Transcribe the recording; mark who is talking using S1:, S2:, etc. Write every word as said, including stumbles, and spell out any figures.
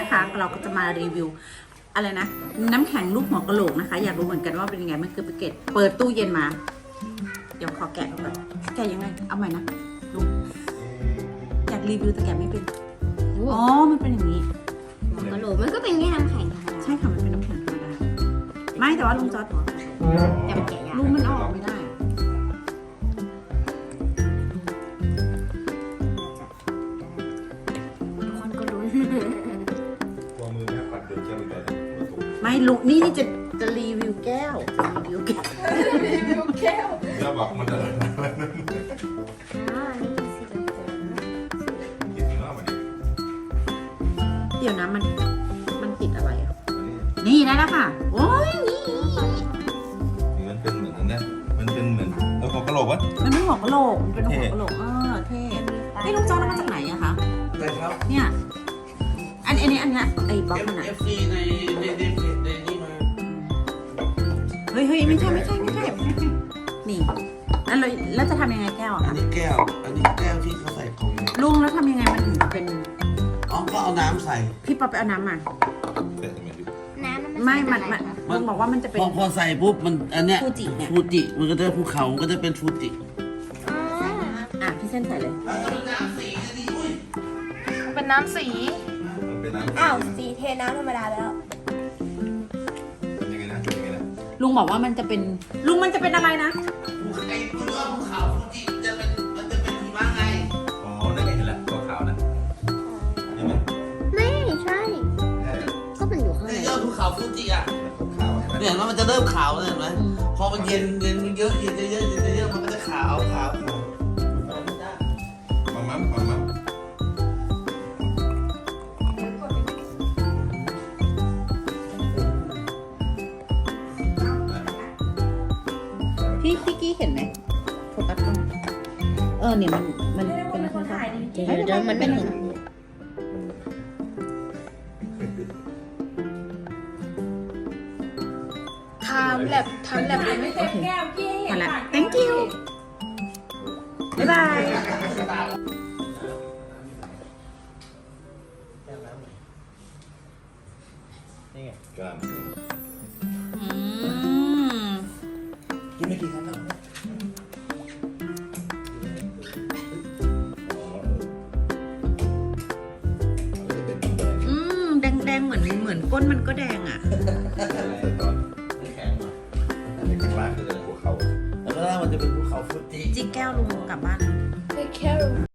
S1: นะคะ เราก็จะมารีวิวอะไรนะน้ำแข็งลูกหัวกะโหลกนะคะอยากรู้เหมือนกันว่าเป็นยังไงมันคือแพ็กเกจเปิดตู้เย็นมาเดี๋ยวขอแกะก่อนแกะยังไงเอาใหม่นะดูอยากรีวิวแต่แกะไม่เป็นอ๋อมันเป็นอย่างนี้
S2: หัวกะโหลกมันก็เป็นแค่น้ำแข็งธรรมดา
S1: ใช่ค่ะมันเป็นน้ำแข็งธรรมดาไม่แต่ว่าลุงจอร์ด
S2: แต่มันแกะยาก
S1: ลุงมันเอาออกไม่ได้
S2: ทุกคนก็รู้
S3: วางมือแม่ปัดเดือดแก้วอีกแล้วนะ
S1: ไม่ลุงนี่นี่จะจะรีวิวแก้วรีวิวแก้ว
S3: แล้วบอกมันอะไรนะ
S2: อ่านี่คือสีเหลือง
S3: กินเนื้อมันดิ
S1: เดี๋ยวนะมันมันติดอะไรอ่ะนี่ได้แล้วค่ะโอ้ยนี่
S3: นี่มันเป็นเหมือนอันเนี้ยมันเป็นเหมือนเออหัวกะโหลกวะ
S1: มันไม่หัวกะโหลกมันเป็นหัวกะโหลกเออเท่นี่ลุงจอร์ดเอามาจากไหนอะคะ
S4: อะไรครับ
S1: เนี่ยอันอันนี้อันเนี้ยไอ้บล็อกมันอะ
S4: เอฟซีในในในเพจในนี่มา
S1: เฮ้ยเฮ้ยไม่ใช่ไม่ใช่ไม่ใช่นี่แล้วเราแล้วจะทำยังไงแก้วอะ
S4: อัน
S1: คะ
S4: นี้แก้ว อันนี้แก้วที่เขาใส่ของเนี่ย
S1: ลุงแล้วทำยังไงมันถึงจะเป็น
S4: อ๋อก็เอาน้ำใส่
S1: พี่ป๊อปไปเอาน้ำมา
S3: เป็นเหมือนดิ
S2: ๆน้ำมัน
S1: ไม่
S2: เป็
S1: มัน
S2: อะไร
S1: มัน
S2: คะ
S1: ลุงบอกว่ามันจะเป็น
S4: พอพอใส่ปุ๊บมันอันเนี้ย
S1: ฟูจิเนี่ย
S4: ฟูจิมันก็จะภูเขามันก็จะเป็นฟูจิ
S2: อ๋อ
S1: อ่ะพี่เส้นใส่เลย
S5: เป็นน้ำสี
S3: มันเป็นน้ำ
S2: อ้าวสีเทน้ำธรรมดาแล้ว
S3: เป็นยังไงนะเป็นยังไงนะ
S1: ลุงบอกว่ามันจะเป็นลุงมันจะเป็นอะไรนะ
S4: ไอ้ตัวภูเขาฟูจิจะเป็นมันจะเป็นหิมะไง
S3: อ๋อนั่นไงเห็นแล้วตัวขาวนะนี่มัน
S2: ไม่ใช่
S3: แค่
S2: ก็มันอยู่ข้างใน
S4: ในยอดภูเขาฟูจิอ่ะ
S3: ขาวเห็นไหม
S4: เนี่ยมันจะเริ่มขาวเลยเห็นไหมพอมันเย็นเย็นเยอะเย็นเยอะเย็นเยอะมันก็จะขาวขาวขาว
S3: ปั๊มปั๊มปั๊มปั๊ม
S1: พี่พี่กี้เห็นไหมโฟกัสกล้องเออเนี่ยมันมันเป็นอะไรคะ
S2: เดี๋ยวเดี๋ยวมันเป็น
S5: ทำแลบทำแลบเลยไหม
S1: โอเคมาละ thank you บ๊ายบาย
S3: กล้าม
S1: อืม
S4: กินไม่กี่ครั้งแล้ว
S1: อืมแดงแดงๆเหมือนเหมือนก้นมันก็แดงอ่ะ
S3: ตอนแข็งมาอันนี้ข้างล่างคือหัวเข่า
S4: แล้วก็ล่างมันจะเป็นภูเขาฟูจิ
S1: จิกแก้วลุงกลับบ้าน
S5: Take care